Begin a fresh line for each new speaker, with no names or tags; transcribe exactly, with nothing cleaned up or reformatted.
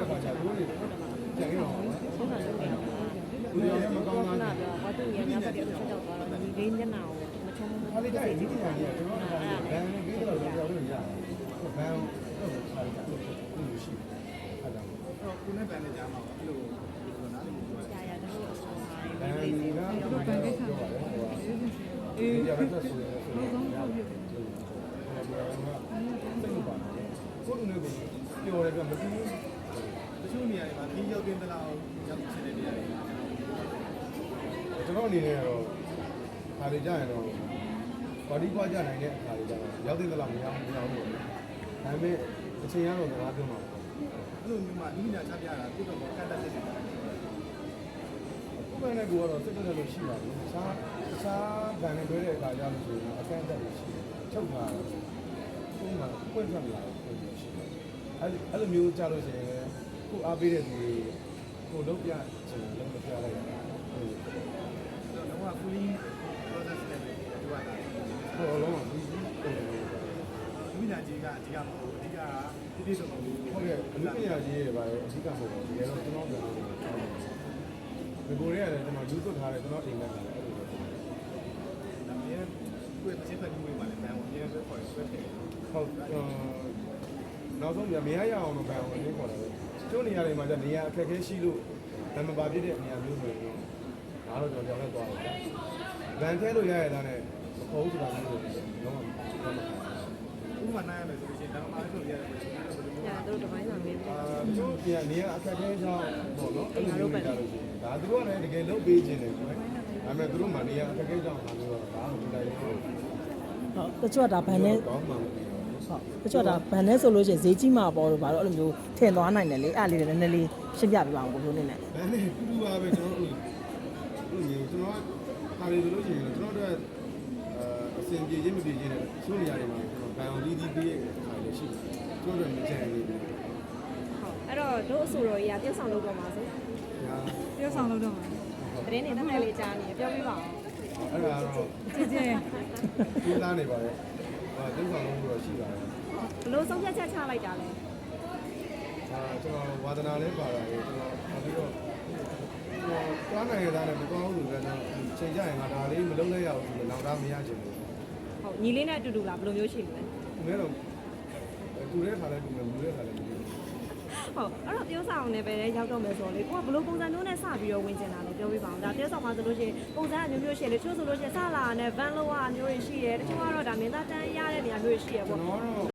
ခါကျတော့ဒီကြံရအောင်
ဆုံးတာလုပ်နေတာ
ဘူးရောမကောင်းတာ
နာပြောဘာတူရညဘက်တည်းဆက်တော့သွားတော့ဒီလေးညနာကိုမချုံဘူး
ခါလေးကြရင်ဒီပြန်ကြီးကျွန်တော်ကဘန်ပြီးတော့ပြောလို့ရတယ်ဘန်တော့ခါလေးကြလို့ရှိအဲ့ဒါတော့ခုနဲ့ဘန်နဲ့ကြားမှာအဲ့လိုဒီနားလေးပြော
ရာရာတို့အဆောင်ပါ
ဘန်ကတော့ဘန်ကိစ္စပြောပါတယ်ဟိုအေးရတဲ့ဆိုရင်ဆိုရင်ရတယ်ဘယ်လိုလဲစိတ်မပါဘူးကိုလူနဲ့ကိုပြောတယ်ကမသိဘူးတချို့နေရာတွေမှာဒီရောက်တင်တလားရောက်ချင်တဲ့နေရာတွေကျွန်တော်အနေနဲ့ကတော့ခါလေးကြရင်တော့ဘာဒီပွားကြနိုင်တဲ့အခါလေးကြတော့ရောက်တင်တလားမရောက်မရောက်ဘူးဒါပေမဲ့အချိန်ရတော့စကားပြောမှာအဲ့လိုမျိုးမှဒီညာချပြတာပြတော့ကတ်တက်ဖြစ်နေတာကိုယ်နဲ့ကိုကတော့စိတ်တက်လို့ရှိပါဘူး။စားစားဗန်နဲ့တွဲတဲ့အခါကျလို့ဆိုရင်အကန့်အသတ်ရှိတယ်။ချုပ်တာကိုယ်ကပွင့်ထွက်လာတယ်ရှိတယ်။အဲ့အဲ့လိုမျိုးကြားလို့ရှိရင်ကိုအားပေးတဲ့သူကိုလုံးပြချင်လုံးမပြလိုက်ရဘူး။ဟုတ်တယ်။တော့က fully process နဲ့ဒီကတာ။ဟောလုံးဝဒီဒီညာကြီးကအဓိကမဟုတ်ဘူး။အဓိကကတိတိကျကျဟုတ်ကဲ့အလူပညာကြီးရဲ့ဗါရဲ့အဓိကမဟုတ်ဘူး။ဒီကတော့ကျွန်တော်ပြောတာဒီကိုရဲရတယ်ကျွန်တော်ယူသွတ်ထားတယ်ကျွန်တော်အိမ်နဲ့ထားတယ်အဲ့လိုပဲဒါမျိုးကိုယ်တစ်ချက်ဖတ်ပြီးဝင်ပါလေဘန်ဝင်ရဲပဲခေါ်ဆွဲတယ်ဟုတ်နောက်ဆုံးပြမရရအောင်တော့ဘန်ဝင်လေးခေါ်တယ်ကျိုးနေရာတွေမှာကျနေရာအခက်အခဲရှိလို့နံပါတ်ပြတဲ့နေရာမျိုးဆိုရင်တော့ဒါတော့ကျွန်တော်ကြောက်လက်သွားတယ်ဘန်ထဲလို့ရရတာနဲ့မခေါ်ဘူးဆိုတာမျိုးလို့လုံးဝဥပမာနိုင်ရမယ်ဆိုရင်ဒါမှမဟုတ်လို့ရတယ်
ညာတို့တပိုင်းဆောင်နေပြီ
အာကျိုးနေရာနေရာအခက်အခဲကြောင့်ပေါ့နော်အဲ့လိုမျိုးကြလို့ရှိရင်ဒါသူတို့ကလည်းတကယ်လုပ်ပေးခြင်းတယ်ကွယ်ဒါပေမဲ့သူတို့မှနေရာအခက်အခဲကြောင့်လာလို့တော့ဒါမှမတိုင်ဘူးဟုတ်
တချို့ကဒါဘန်နဲ့
ကောင်းမှမဟုတ်
ဟုတ်တချို့ကဒါဘန်နဲ့ဆိုလို့ရှိရင်ဈေးကြီးမှာပေါ့လို့ဘာလို့အဲ့လိုမျိုးထင်သွားနိုင်တယ်လေအဲ့လေးလည်းနည်းနည်းလေးရှင်းပြပြပါအောင်ကိုလိုနေနဲ့
ဘန်နဲ့တူတူပါပဲကျွန်တော်တို့တို့မျိုးကျွန်တော်ခါရီဆိုလို့ရှိရင်ကျွန်တော်တို့အစင်ပြေချင်းမပြေချင်းနဲ့ချိုးနေရာတွေမှာကျွန်တော်ဘန်အောင်လေးကြီးပေးရတဲ့ခါလေးရှိတယ်ကျွန်တော်တို့မကြံနေဘူး
ဟုတ်အဲ့တော့တို့အဆိုတော်ကြီးကပြုတ်ဆောင်လုပ်တော့မှာဆိုပြုတ်ဆောင်လုပ်တော့မှာတရင်နေတဲ့နယ်လေးကြားနေပြောပြပါအောင်
အဲ့ဒါတော့
ကြည့်ကြည့်
ကျင်းသားနေပါရဲ့ဟာကျင်းဆောင်လုံးတော့ရှိပါတယ်
ဘလို့ဆုံးဖြတ်ချက်ချလိုက်တာလဲ
အာကျွန်တော်ဝါဒနာလေးပါတာလေကျွန်တော်နောက်ပြီးတော့ကျွန်တော်သွားနိုင်ရတာနဲ့မကောင်းဘူးဆိုတော့ချိန်ကြရင်ငါဒါလေးမလုံးလိုက်ရဘူးဆိုတော့နောက်သားမရချင်ဘူး
ဟုတ်ညီလေးနဲ့အတူတူလားဘယ်လိုမျိုးရှိလဲ
သူလည်းတော့သူလည်းခါလဲသူလည်းမူလည်းခါလဲမူ
ဟုတ်အဲ့တော့ပြောဆောင်နေပဲရောက်တော့မယ်ဆိုတော့လေကိုကဘလို့ပုံစံမျိုးနဲ့စပြီးတော့ဝင်ကျင်တာလဲပြောပြပါအောင်ဒါပြောဆောင်မှာဆိုလို့ရှိရင်ပုံစံအမျိုးမျိုးရှိတယ်တချို့ဆိုလို့ရှိရင်စလာနဲ့ဗန်လောကမျိုးတွေရှိတယ်တချို့ကတော့ဒါမင်းသားတန်းရတဲ့နေရာမျိုးတွေရှိရပေါ့